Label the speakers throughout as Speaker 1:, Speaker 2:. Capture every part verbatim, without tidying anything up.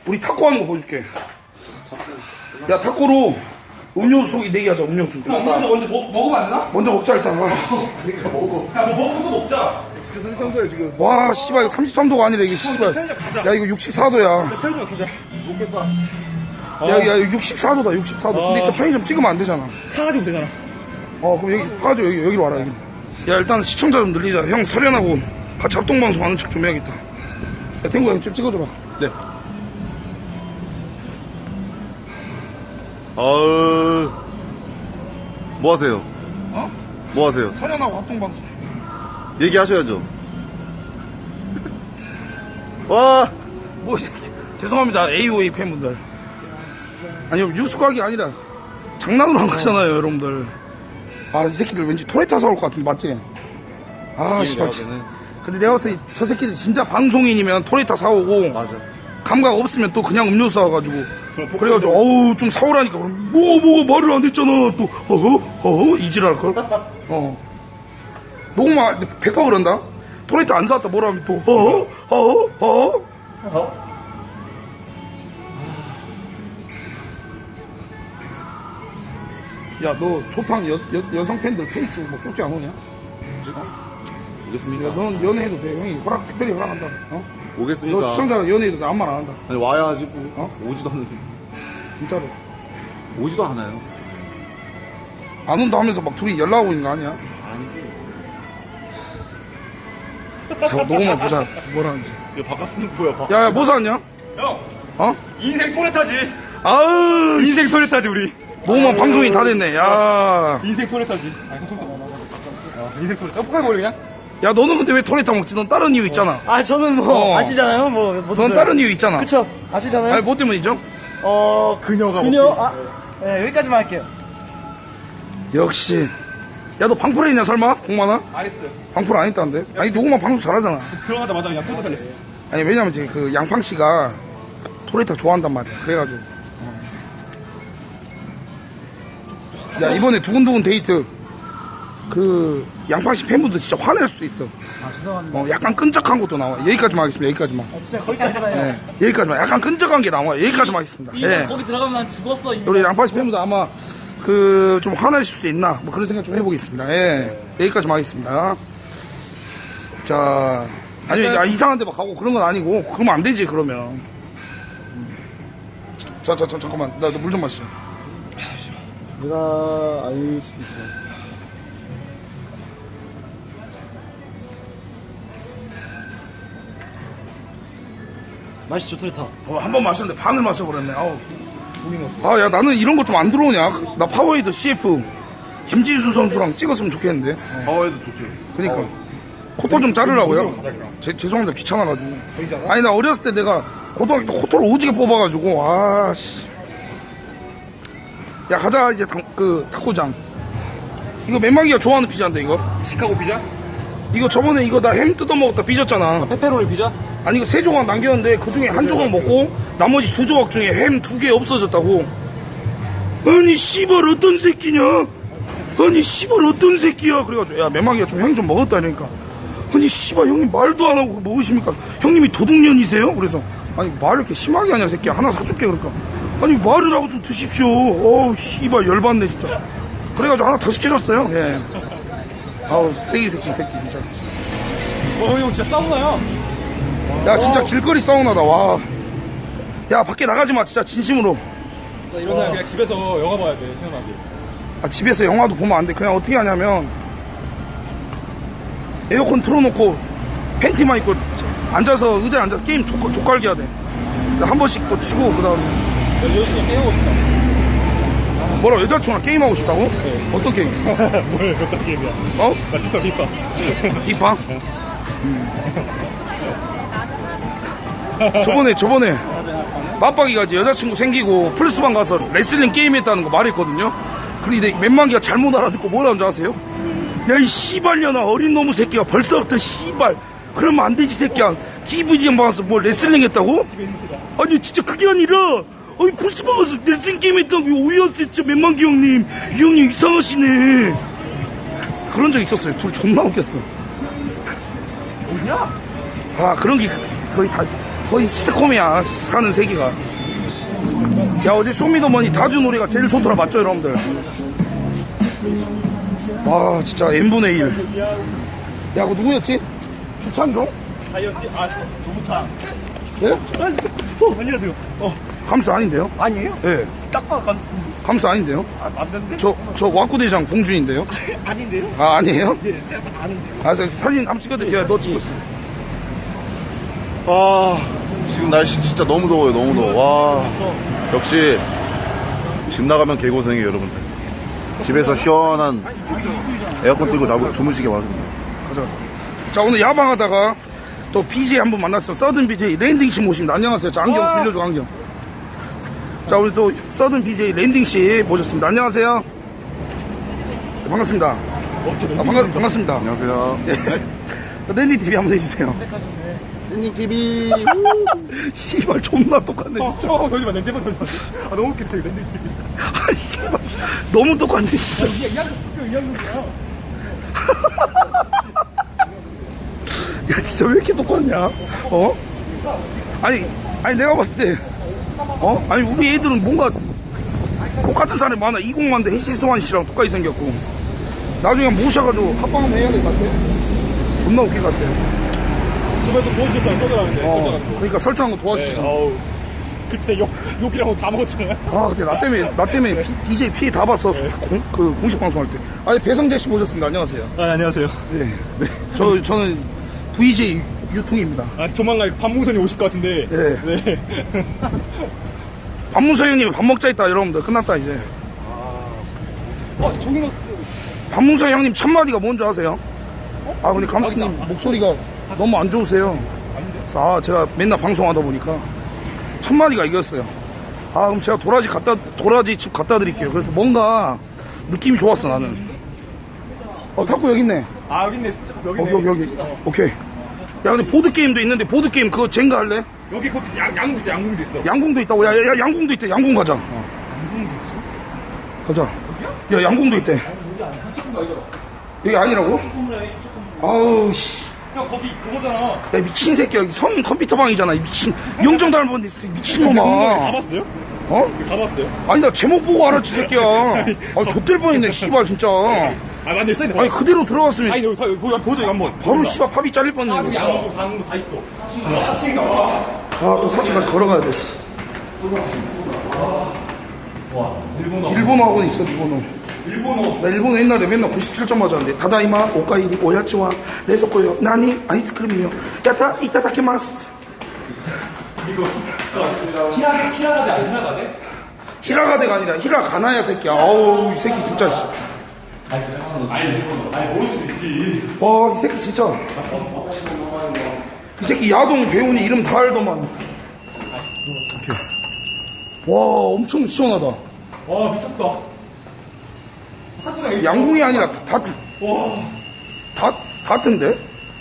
Speaker 1: 우리 탁구 하는 거 보여줄게. 야, 탁구로 음료수 네 개 하자, 음료수.
Speaker 2: 음료수 먼저 먹, 먹으면 안 되나?
Speaker 1: 먼저 먹자, 일단.
Speaker 2: 그러니까 먹어. 야, 뭐 먹고 먹자.
Speaker 3: 지금 삼십삼 도야 지금.
Speaker 1: 와, 씨발, 이거 삼십삼 도가 아니라 이게 씨발.
Speaker 2: 편의점 가자.
Speaker 1: 야, 이거 육십사 도야.
Speaker 2: 편의점 가자. 먹겠다.
Speaker 1: 야, 야, 육십사 도다, 육십사 도. 근데
Speaker 2: 어.
Speaker 1: 저 편의점 찍으면 안 되잖아.
Speaker 2: 사가지고 되잖아.
Speaker 1: 어, 그럼 여기 사줘, 여기, 여기로 와라, 여기. 야, 일단 시청자 좀 늘리자. 형, 설현하고 같이 합동방송 하는 척 좀 해야겠다. 야, 탱구 형 좀 찍어줘봐.
Speaker 3: 네. 어우. 뭐 하세요?
Speaker 1: 어?
Speaker 3: 뭐 하세요?
Speaker 1: 설현하고 합동방송.
Speaker 3: 얘기하셔야죠. 와.
Speaker 1: 뭐, 죄송합니다, 에이오에이 팬분들. 아니요, 뉴스각이 아니라 장난으로 한 거잖아요, 여러분들. 아, 이 새끼들 왠지 토레타 사올 것 같은데, 맞지? 아, 씨발. 근데 내가 봤을 때 저 새끼들 진짜 방송인이면 토레타 사오고,
Speaker 3: 맞아.
Speaker 1: 감각 없으면 또 그냥 음료수 사와가지고, 그래가지고, 어우, 좀 사오라니까. 그럼 뭐, 뭐, 말을 안 했잖아. 또, 어허? 어허? 이질할걸? 어. 녹음아, 백 퍼센트 그런다? 토레타 안 사왔다 뭐라 하면 또, 어허? 어허? 어허?
Speaker 3: 어?
Speaker 1: 야, 너 조팡 여, 여, 여성 팬들 페이스북 뭐 쪽지 안 오냐?
Speaker 3: 오겠습니까?
Speaker 1: 야, 너는 연애해도 돼. 형이 허락, 특별히 허락한다. 어?
Speaker 3: 오겠습니까?
Speaker 1: 너 시청자가 연애해도 돼. 아무 말 안 한다.
Speaker 3: 아니, 와야지. 뭐.
Speaker 1: 어?
Speaker 3: 오지도 않는데.
Speaker 1: 진짜로.
Speaker 3: 오지도 않아요.
Speaker 1: 안 온다 하면서 막 둘이 연락하고 있는 거 아니야?
Speaker 3: 아니지.
Speaker 1: 자, 녹음만 보자. 뭐라는지.
Speaker 3: 이거 바깥은 뭐야, 바깥.
Speaker 1: 야, 야, 뭐 사왔냐?
Speaker 2: 형,
Speaker 1: 어?
Speaker 2: 인생 토레타지.
Speaker 1: 아으,
Speaker 2: 인생 토레타지, 우리.
Speaker 1: 녹음만 방송이 다 됐네. 야.
Speaker 2: 인생 토레타지. 아, 형 토레타. 어, 인생 토레타. 어, 포카리 먹을래, 그냥?
Speaker 1: 야, 너는 근데 왜 토레타 먹지? 넌 다른 이유 있잖아.
Speaker 4: 아 저는 뭐
Speaker 1: 어.
Speaker 4: 아시잖아요 뭐 뭐든
Speaker 1: 넌 다른 이유 있잖아.
Speaker 4: 그쵸 아시잖아요.
Speaker 1: 아니, 뭐 때문이죠?
Speaker 4: 어
Speaker 2: 그녀가
Speaker 4: 그녀 아 네, 여기까지만 할게요.
Speaker 1: 역시. 야, 너 방풀 했냐, 설마? 공만아?
Speaker 2: 안 했어요.
Speaker 1: 방풀 안 했다는데? 아니, 녹음만 방송 잘하잖아.
Speaker 2: 들어가자마자 그냥 토레타 살렸어.
Speaker 1: 아니, 왜냐면 이제 그 양팡 씨가 토레타 좋아한단 말이야. 그래가지고. 어. 야, 이번에 두근두근 데이트. 그, 양팡 씨 팬분들 진짜 화낼 수도 있어.
Speaker 4: 아 죄송합니다.
Speaker 1: 어, 약간 끈적한 것도 나와. 여기까지만 하겠습니다. 여기까지만.
Speaker 4: 아, 진짜 거기까지만 해요.
Speaker 1: 예, 여기까지만. 약간 끈적한 게 나와. 여기까지만 하겠습니다.
Speaker 4: 이거
Speaker 1: 예.
Speaker 4: 거기 들어가면 난 죽었어. 이미.
Speaker 1: 우리 양팡 씨 팬분들 아마 그, 좀 화내실 수도 있나. 뭐 그런 생각 좀 해보겠습니다. 예. 여기까지만 하겠습니다. 자. 아니, 야, 이상한 데 막 가고 그런 건 아니고. 그러면 안 되지, 그러면. 자, 자, 자, 잠깐만. 나 물 좀 마시자.
Speaker 4: 내가 알 수도 있어. 맛있죠 토레타.
Speaker 1: 어, 한 번 마셨는데 반을 마셔버렸네. 아우. 아, 야, 나는 이런 거 좀 안 들어오냐? 나 파워에이드 씨에프 김지수 선수랑 찍었으면 좋겠는데.
Speaker 3: 파워에도 좋죠.
Speaker 1: 그니까. 코털 좀 자르라고요? 제, 죄송합니다. 귀찮아가지고. 아니, 나 어렸을 때 내가 고등학교 때 코털을 오지게 뽑아가지고, 아, 씨. 야, 가자, 이제 당, 그, 탁구장. 이거 맨마기가 좋아하는 피자인데, 이거.
Speaker 2: 시카고 피자?
Speaker 1: 이거 저번에 이거 나 햄 뜯어먹었다 삐졌잖아.
Speaker 2: 페페로니 피자?
Speaker 1: 아니, 이거 세 조각 남겼는데, 그 중에 한 조각 먹고, 나머지 두 조각 중에 햄 두 개 없어졌다고. 아니, 씨발, 어떤 새끼냐? 아니, 씨발, 어떤 새끼야? 그래가지고, 야, 맨마기가 좀 형이 좀 먹었다니까. 아니, 씨발, 형님 말도 안 하고 먹으십니까? 형님이 도둑년이세요? 그래서, 아니, 말을 이렇게 심하게 하냐, 새끼야. 하나 사줄게, 그러니까. 아니, 말을 하고 좀 드십시오. 어우, 씨발, 열받네, 진짜. 그래가지고 하나 더 시켜줬어요. 예. 아우, 쓰레기 새끼, 이 새끼, 진짜.
Speaker 2: 어, 형 진짜 싸우나요?
Speaker 1: 야, 진짜 길거리 사우나다, 와. 야, 밖에 나가지 마, 진짜, 진심으로.
Speaker 2: 나 이런 날 그냥 집에서 영화 봐야 돼, 시원하게.
Speaker 1: 아, 집에서 영화도 보면 안 돼. 그냥 어떻게 하냐면, 에어컨 틀어놓고, 팬티만 입고, 앉아서, 의자에 앉아서 게임 족, 족갈기 해야 돼. 한 번씩 또 치고, 그 다음에.
Speaker 2: 여자친구 게임하고 싶다.
Speaker 1: 뭐라, 여자친구랑 게임하고 싶다고? 네. 어떤 게임?
Speaker 2: 뭘, 어떤 게임이야?
Speaker 1: 어?
Speaker 2: 나 피파, 피파.
Speaker 1: 이파? 음. 저번에, 저번에, 맞박이가 이제 여자친구 생기고, 플스방 가서 레슬링 게임 했다는 거 말했거든요? 근데 맨만기가 잘못 알아듣고 뭐라는 줄 아세요? 야, 이 씨발년아, 어린 놈의 새끼가 벌써부터 씨발. 그러면 안 되지, 새끼야. 디브이디 봐서 뭐 레슬링 했다고? 아니, 진짜 그게 아니라, 아니, 플스방 가서 레슬링 게임 했다고 오해했어요, 진짜 맨만기 형님. 이 형님 이상하시네. 그런 적 있었어요. 둘 존나 웃겼어. 뭐냐? 아, 그런 게 거의 다, 거의 스테콤이야 사는 세기가. 야 어제 쇼미더머니 다주 노래가 제일 좋더라. 맞죠 여러분들? 와 진짜 n분의 일. 야 그거 누구였지? 주찬종?
Speaker 2: 다이어트, 아, 조부탕.
Speaker 1: 예?
Speaker 2: 어, 안녕하세요. 어,
Speaker 1: 감스 아닌데요?
Speaker 2: 아니에요?
Speaker 1: 예.
Speaker 2: 딱 봐도 감스.
Speaker 1: 감스 아닌데요?
Speaker 2: 아, 맞는데?
Speaker 1: 저, 저 와꾸대장 봉준인데요?
Speaker 2: 아닌데요?
Speaker 1: 아 아니에요?
Speaker 2: 네, 제가 딱 아는데요.
Speaker 1: 아 저 사진 한번 찍어드릴게요. 너 찍고 있어.
Speaker 3: 아, 지금 날씨 진짜 너무 더워요, 너무 더워. 와, 역시 집 나가면 개고생이에요, 여러분들. 집에서 시원한 에어컨 틀고 자고 주무시기 바랍니다.
Speaker 1: 가자. 자 오늘 야방하다가 또 비제이 한 분 만났어. 서든 비제이 랜딩씨 모십니다. 안녕하세요. 자 안경 빌려줘 안경. 자 우리 또 서든 비제이 랜딩씨 모셨습니다. 안녕하세요. 네, 반갑습니다. 아, 반가, 반갑습니다.
Speaker 3: 안녕하세요.
Speaker 1: 네. 랜딩 티비 한번 해주세요.
Speaker 3: 랜딩 티비.
Speaker 1: 씨발 존나 똑같네.
Speaker 2: 어, 어, 더지 마, 냄새만 더지 마. 아, 너무 웃기다, 이거 냄새.
Speaker 1: 아 씨발 너무 똑같네 진짜.
Speaker 2: 이게 이학년, 이학년이야.
Speaker 1: 야 진짜 왜 이렇게 똑같냐? 어? 아니 아니 내가 봤을 때 어? 아니 우리 애들은 뭔가 똑같은 사람이 많아. 이공만대 해시스완 씨랑 똑같이 생겼고 나중에 모셔가지고 합방 한번 해야 될 것 같아. 존나 웃길 것 같아.
Speaker 2: 저번에 또 도와주셨잖아, 써더라는데.
Speaker 1: 어, 그러니까 설치한 거 도와주시잖아.
Speaker 2: 어우. 그때 욕, 욕이랑 다 먹었잖아요.
Speaker 1: 아 근데 나 때문에 나 때문에 비, 비제이 피해 다 봤어. 공, 그 공식 방송할 때. 아니 배성재 씨 모셨습니다. 안녕하세요.
Speaker 2: 아, 안녕하세요.
Speaker 1: 네, 네. 저 저는 브이제이 유퉁입니다.
Speaker 2: 아, 조만간 박무선이 오실 것 같은데.
Speaker 1: 네.
Speaker 2: 네.
Speaker 1: 박문서 형님이 밥 먹자 했다 여러분들. 끝났다 이제.
Speaker 2: 어, 종이너스.
Speaker 1: 박문서 형님 첫 마디가 뭔지 아세요? 아 근데 감스님 목소리가 너무 안 좋으세요. 아 제가 맨날 방송하다 보니까 첫 마디가 이거였어요. 아 그럼 제가 도라지 갖다 도라지 집 갖다 드릴게요. 그래서 뭔가 느낌이 좋았어 나는. 어 탁구 여기 있네.
Speaker 2: 아, 여기 있네. 여기 있네.
Speaker 1: 여기 여기 여기. 오케이. 야 근데 보드 게임도 있는데 보드 게임 그거 젠가 할래?
Speaker 2: 여기 곧 양, 양궁 있어, 양궁도 있어.
Speaker 1: 양궁도 있다고. 야, 야, 야 양궁도 있대. 양궁 가자. 양궁도 있어? 가자. 야 양궁도 있대. 여기 아니라고? 아우 씨.
Speaker 2: 형, 거기 그거잖아.
Speaker 1: 야 미친 새끼야. 성인 컴퓨터방이잖아. 이 미친 영정 닮은 미친놈아.
Speaker 2: 가봤어요?
Speaker 1: 어?
Speaker 2: 가봤어요?
Speaker 1: 아니 나 제목 보고 알았지 새끼야. 아 좆될 뻔했네 씨발 진짜.
Speaker 2: 아, 맞네, 써있네.
Speaker 1: 아니 그대로 들어갔으면
Speaker 2: 아니, 여기, 여기, 여기 보자, 여기 한 번.
Speaker 1: 바로 씨발 팝이 잘릴 뻔했네.
Speaker 2: 양궁, 강궁도 다 있어. 같이 나와.
Speaker 1: 아또 사진까지 걸어가야 돼. 씨.
Speaker 2: 일본어.
Speaker 1: 일본어 학원 있어 일본어.
Speaker 2: 일본어.
Speaker 1: 나 일본어 옛날에 맨날 구십칠 점 맞았는데 다다이마 오카이리 오야치와 레소코요 나니 아이스크림이요 야타 이타다키마스.
Speaker 2: 이거. 히라, 히라가데 아니, 히라가데?
Speaker 1: 히라가데가 아니라 히라가나야 새끼야. 아우 이 새끼 진짜.
Speaker 2: 아니, 일본어. 아니, 모를 수도 있지.
Speaker 1: 와 이 새끼 진짜. 이 새끼 야동 배우니 이름 다 알더만. 이렇게. 와 엄청 시원하다.
Speaker 2: 와, 미쳤다. 탁구장
Speaker 1: 양궁이 아니라 다,
Speaker 2: 와.
Speaker 1: 다, 다트인데?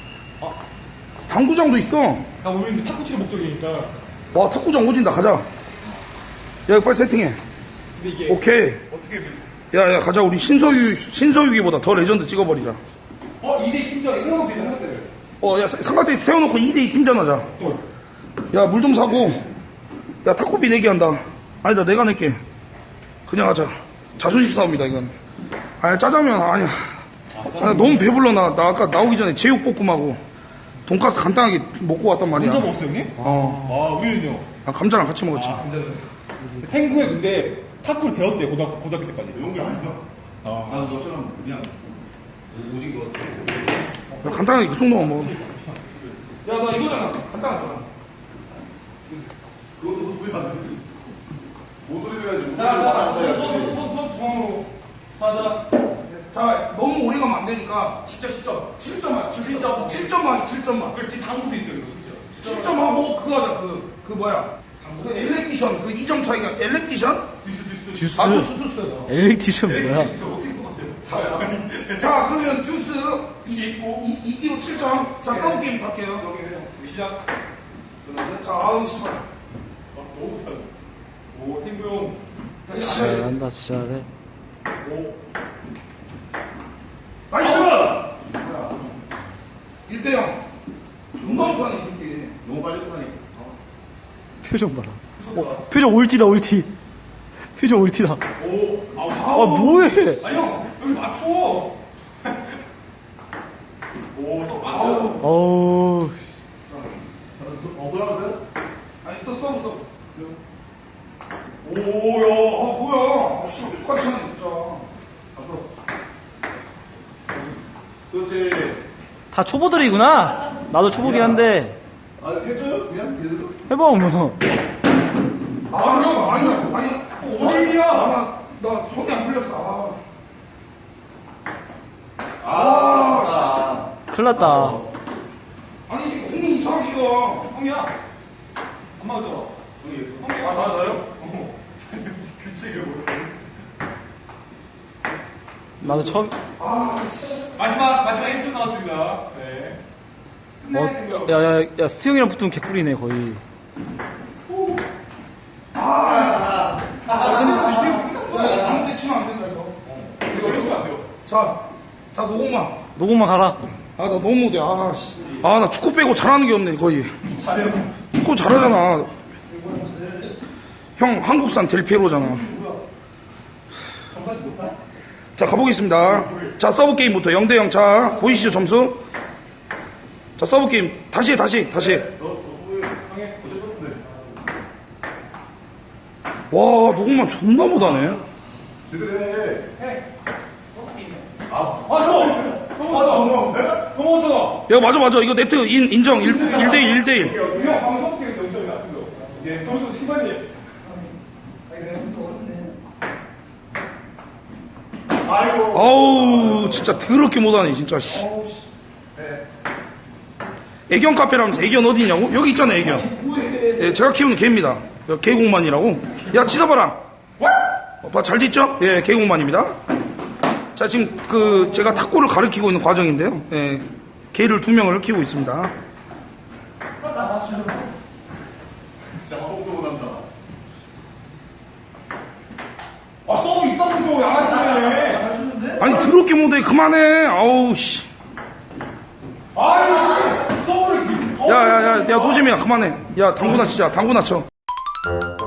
Speaker 1: 당구장도 있어.
Speaker 2: 나 우리는 탁구 치는 목적이니까.
Speaker 1: 와 탁구장 오진다. 가자. 야 빨리 세팅해.
Speaker 2: 근데 이게.
Speaker 1: 오케이.
Speaker 2: 어떻게.
Speaker 1: 야야 가자. 우리 신서유 신서유기보다 더 레전드 찍어버리자.
Speaker 2: 어, 이 대 팀장이 생각보다 생각대를.
Speaker 1: 어야 삼각대 세워놓고 이 대 이 팀전 하자. 야 물 좀 사고. 야 탁구비 내기 한다. 아니다 내가 낼게. 그냥 하자. 자존심 싸움이다 이건. 아니 짜장면 아니야. 아, 너무 배불러. 나, 나 아까 나오기 전에 제육볶음하고 돈가스 간단하게 먹고 왔단 말이야.
Speaker 2: 혼자 먹었어요, 형님?
Speaker 1: 어.
Speaker 2: 아, 우리는요.
Speaker 1: 아, 감자랑 같이 먹었지.
Speaker 2: 아, 감자는. 탱구에 근데 탁구를 배웠대, 고등학교, 고등학교 때까지.
Speaker 3: 배운 게 아니야.
Speaker 2: 아.
Speaker 3: 나는 너처럼 그냥 오직 그렇지.
Speaker 1: 나 간단하게 그 정도만 먹어. 야, 나 이거잖아. 간단하잖아.
Speaker 3: 그것도 소리 안 들리지. 뭔 소리를 해야지.
Speaker 2: 자, 자, 선, 선, 선, 선 중앙으로. 가자.
Speaker 1: 자, 너무 오래 가면 안 되니까 십 점, 십 점. 칠 점만, 칠 점. 칠 점만, 칠 점만.
Speaker 2: 그 뒤 당구도 있어요, 이거, 진짜.
Speaker 1: 칠 점 하고 그거 하자. 그, 그 뭐야. 그 엘렉티션. 그 이 점 차이가 엘렉티션?
Speaker 2: 듀스, 듀스.
Speaker 4: 듀스.
Speaker 1: 아, 주스, 주스.
Speaker 4: 엘렉티션 뭐야?
Speaker 2: 어떻게 똑같아요?
Speaker 1: 자, 그러면 주스 있고, 이기로 칠 점. 자, 싸움 게임 갈게요.
Speaker 2: 시작.
Speaker 1: 자, 아우, 씨발.
Speaker 2: 아, 너무 못하네. 오, 탱구 형.
Speaker 4: 잘한다, 진짜 잘해.
Speaker 2: 오.
Speaker 1: 나이스! 일 대 영. 존나 못하네, 이 새끼.
Speaker 3: 너무 빨리 끝나니까.
Speaker 4: 표정 봐라. 어, 표정 올티다, 올티. 표정 올티다.
Speaker 1: 오, 아,
Speaker 4: 아, 뭐해?
Speaker 1: 아니, 형, 여기 맞춰. 오, 서 맞춰.
Speaker 4: 어우.
Speaker 3: 어, 그러면서?
Speaker 1: 아니, 써, 써, 써. 오, 야, 아, 뭐야. 아, 씨, 똑같이 하네, 진짜.
Speaker 3: 그렇지.
Speaker 4: 다 초보들이구나. 나도 초보긴 한데.
Speaker 3: 아, 해줘요? 그냥? 그래도.
Speaker 4: 해봐, 뭐.
Speaker 1: 아, 형, 아니, 아니, 어디야? 나, 나 손이 안 풀렸어. 아,
Speaker 3: 아,
Speaker 1: 씨.
Speaker 3: 아.
Speaker 4: 큰일 났다.
Speaker 1: 아니, 지금 공이 이상하게 가. 형이야. 안 맞았죠? 형이. 아, 맞아요? 어. 규칙을 모르네.
Speaker 4: 나도 처음.
Speaker 1: 아, 씨. 마지막, 마지막 일 점 나왔습니다. 네.
Speaker 4: 어, 야, 야, 야, 스티형이랑 붙으면 개꿀이네, 거의.
Speaker 1: 아, 근데 이게 끝났어. 아무데 치면 안 된다, 이거. 이거 어려 치면 안 돼요. 자, 자, 노공만.
Speaker 4: 노공만 가라.
Speaker 1: 아, 나 너무 못해. 아, 씨. 아, 나 축구 빼고 잘하는 게 없네, 거의. 잘해요. 축구 잘하잖아. 형, 한국산 델피에로잖아. 자, 가보겠습니다. 자, 서브 게임부터 영 대 영. 자, 보이시죠, 점수? 자, 서브 게임. 다시 해, 다시, 해, 다시. 해. 와, 노공만 존나 못하네.
Speaker 3: 제대로 해.
Speaker 1: 야, 맞아, 맞아. 이거 네트 인, 인정. 일 대 일, 일 대 일.
Speaker 2: 형 방송 팀에서 영점이 나쁜 거. 예, 점수 시간이.
Speaker 3: 아이고.
Speaker 1: 아우, 진짜 더럽게 못하네, 진짜, 씨. 애견 카페라면서 애견 어디 있냐고? 여기 있잖아, 애견. 예, 제가 키우는 개입니다. 개공만이라고. 야, 짖어봐라. 어, 봐, 잘 짖죠? 예, 개공만입니다. 자, 지금 그, 제가 탁구를 가르치고 있는 과정인데요. 예, 개를 두 명을 키우고 있습니다.
Speaker 3: 진짜 화복도 못한다.
Speaker 2: 아, 서브 있다고 줘, 양아치네.
Speaker 1: 아니, 더럽게 못해. 그만해. 아우, 씨.
Speaker 2: 아니, 서브를.
Speaker 1: 야, 야, 야, 야, 노잼이야. 그만해. 야, 당구나 치자. 당구나 쳐.